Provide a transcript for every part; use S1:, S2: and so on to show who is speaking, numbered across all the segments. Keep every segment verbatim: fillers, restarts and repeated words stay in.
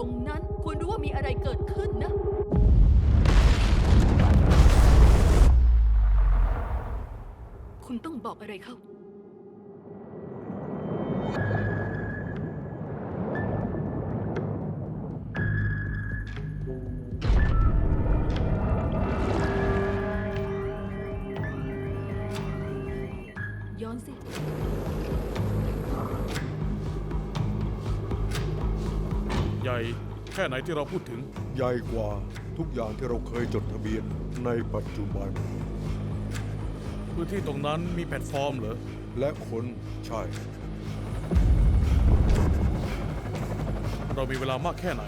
S1: รงนั้นควรรู้ว่ามีอะไรเกิดขึ้นนะ คุณต้องบอกอะไรเขาย้อนสิ
S2: ใหญ่แค่ไหนที่เราพูดถึง
S3: ใหญ่กว่าทุกอย่างที่เราเคยจดทะเบียนในปัจจุบัน
S2: พื้นที่ตรงนั้นมีแพลตฟอร์มเหรอ
S3: และคนใช่
S2: เรามีเวลามากแค่ไหน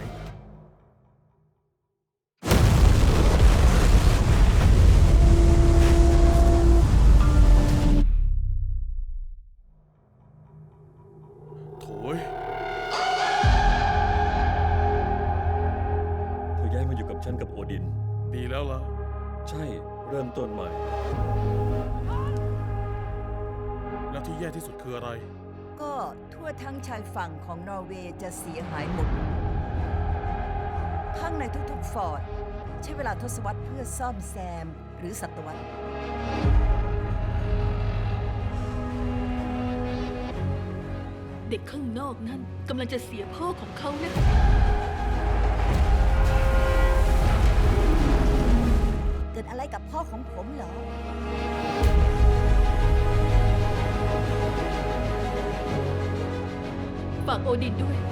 S2: โถย
S4: เธอย้ายมาอยู่กับฉันกับโอดิน
S2: ดีแล้วล่ะ
S4: ใช่เริ่มต้นใหม่
S2: แล้วที่แย่ที่สุดคืออะไร
S5: ก็ทั่วทั้งชายฝั่งของนอร์เวย์จะเสียหายหมด ข้างในทุกๆฟอร์ดใช้เวลาทศวรรษเพื่อซ่อมแซมหรือศตวรรษ
S1: เด็กข้างนอกนั้นกำลังจะเสียพ่อของเขานะ
S5: เกิดอะไรกับพ่อของผมเหรอ
S1: ฝากโอดินด้วย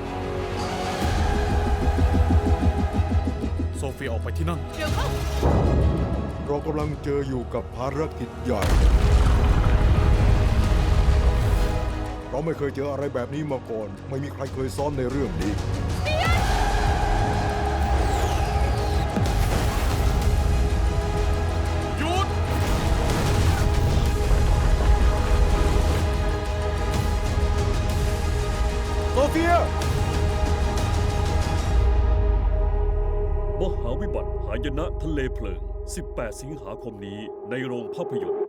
S2: โซฟีออกไปที่นั่น
S1: เร็วเข้า
S3: เรากำลังเจออยู่กับภารกิจใหญ่ เราไม่เคยเจออะไรแบบนี้มาก่อน ไม่มีใครเคยซ้อมในเรื่องนี้
S2: หยุด
S3: โซเฟีย
S4: มหาวิบัติหายนะทะเลเพลิง สิบแปด สิงหาคมนี้ในโรงภาพยนตร์